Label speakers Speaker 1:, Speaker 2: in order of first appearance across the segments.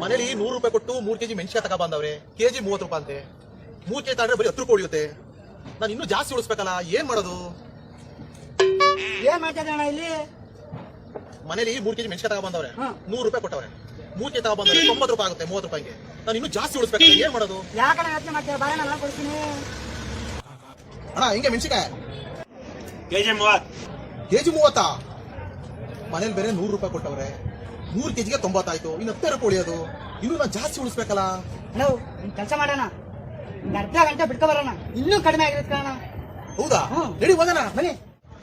Speaker 1: ಮನೇಲಿ 100 ರೂಪಾಯಿ ಕೊಟ್ಟು 3 ಕೆಜಿ ಮೆಣಸಿನ ತಗ ಬಂದವ್ರೆ. ಕೆಜಿ 30 ರೂಪಾಯಿ ಅಂತೆ. 3 ಕೆಜಿ ತಗೊಂಡ್ರೆ ಬರೀ 10 ರೂಪಾಯಿ ಉಳಿಯುತ್ತೆ. ನಾನು ಇನ್ನೂ ಜಾಸ್ತಿ ಉಳಿಸ್ಬೇಕಲ್ಲ, ಏನ್ ಮಾಡೋದು?
Speaker 2: ಏನ್ ಮಾಡ್ತಿದ್ದೆ ಅಣ್ಣ ಇಲ್ಲಿ?
Speaker 1: ಮನೇಲಿ 3 ಕೆಜಿ ಮೆಣಸಿನ ತಗ ಬಂದವ್ರೆ, 100 ರೂಪಾಯಿ ಕೊಟ್ಟವ್ರೆ. 3 ಕೆಜಿ ತಗ ಬಂದವ್ರೆ 90 ರೂಪಾಯಿ ಆಗುತ್ತೆ, 30 ರೂಪಾಯಿಗೆ. ನಾನು ಇನ್ನೂ ಜಾಸ್ತಿ ಉಳಿಸ್ಬೇಕಲ್ಲ, ಏನ್ ಮಾಡೋದು?
Speaker 2: ಯಾಕಣ್ಣ ಯೋಚನೆ ಮಾಡ್ತೀಯ? ಬಾಳೆ ನಾನು ಕೊಡ್ತೀನಿ
Speaker 1: ಅಣ್ಣ. ಹಿಂಗೆ ಮೆಣಸಿಕಾಯಿ
Speaker 3: ಕೆಜಿ 30.
Speaker 1: ಕೆಜಿ 30. ಮನೇಲಿ ಬೇರೆ 100 ರೂಪಾಯಿ ಕೊಟ್ಟವ್ರೆ, 100 ಕೆಜಿಗೆ 90 ಆಯ್ತು. ಇನ್ನು 10 ರೂಪಾಯಿ ಉಳಿಯೋದು. ಇನ್ನೂ ನಾನು ಜಾಸ್ತಿ ಉಳಿಸ್ಬೇಕಲ್ಲ.
Speaker 2: ಅಣ್ಣ ನಿನ್ ಕೆಲಸ ಮಾಡೋಣ, ಒಂದು ಅರ್ಧ ಗಂಟೆ ಬಿಟ್ಕೊ ಬರೋಣ, ಇನ್ನೂ ಕಡಿಮೆ ಆಗಿರುತ್ತೆ ಅಣ್ಣ.
Speaker 1: ಹೌದಾ? ರೆಡಿ ಹೋಗೋಣ
Speaker 2: ಬನ್ನಿ.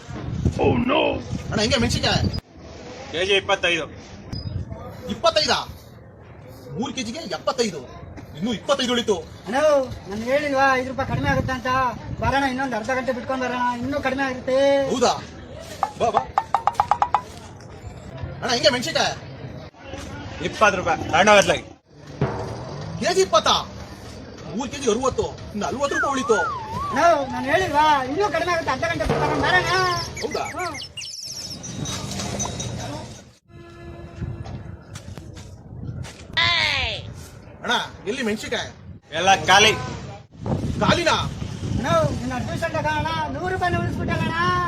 Speaker 1: ಅಣ್ಣ ಹಿಂಗೆ ಮೆಣಸಿಕಾಯಿ
Speaker 3: ಕೆಜಿ 25.
Speaker 1: 25. 3 ಕೆಜಿಗೆ 75. ಇನ್ನೂ 25 ಉಳಿತು.
Speaker 2: ಅಣ್ಣ ನಾನು ಹೇಳಿಲ್ವಾ 5 ರೂಪಾಯಿ ಕಡಿಮೆ ಆಗುತ್ತೆ ಅಂತ? ಬರೋಣ, ಇನ್ನೊಂದು ಅರ್ಧ ಗಂಟೆ ಬಿಟ್ಕೊಂಡ್ ಬರೋಣ, ಇನ್ನೂ ಕಡಿಮೆ ಆಗುತ್ತೆ.
Speaker 1: ಹೌದಾ? ಬಾ ಬಾ. ಅಣ್ಣ ಹಿಂಗೆ ಮೆಣಸಿಕಾಯಿ
Speaker 3: 20 ರೂಪಾಯಿ ತಗೊಂಡೋಗತ್ಲಾಗಿ.
Speaker 1: ಕೆಜಿ 20. 3 ಕೆಜಿ 60. ಇನ್ನು 40 ರೂಪಾಯಿ ಉಳಿತು.
Speaker 2: ಅಣ್ಣ ನಾನು ಹೇಳಿಲ್ವಾ ಇನ್ನೂ ಕಡಿಮೆ ಆಗುತ್ತೆ, ಅರ್ಧ ಗಂಟೆ ಬಿಟ್ಕೊಂಡು ಬರೋಣ.
Speaker 1: ಹೌದಾ? ಅಣ್ಣ ಎಲ್ಲಿ ಮೆಣಸಿಕಾಯಿ?
Speaker 3: ಎಲ್ಲ ಖಾಲಿ.
Speaker 1: ಕಾಲಿನ
Speaker 2: ಅಣ್ಣ ನಿನ್ನ ಅಡ್ಮಿಷನ್ ತಗೋಣ, 100 ರೂಪಾಯಿ ಉಳಿಸ್ಬಿಟ್ಟಲ್ಲ ಅಣ್ಣ.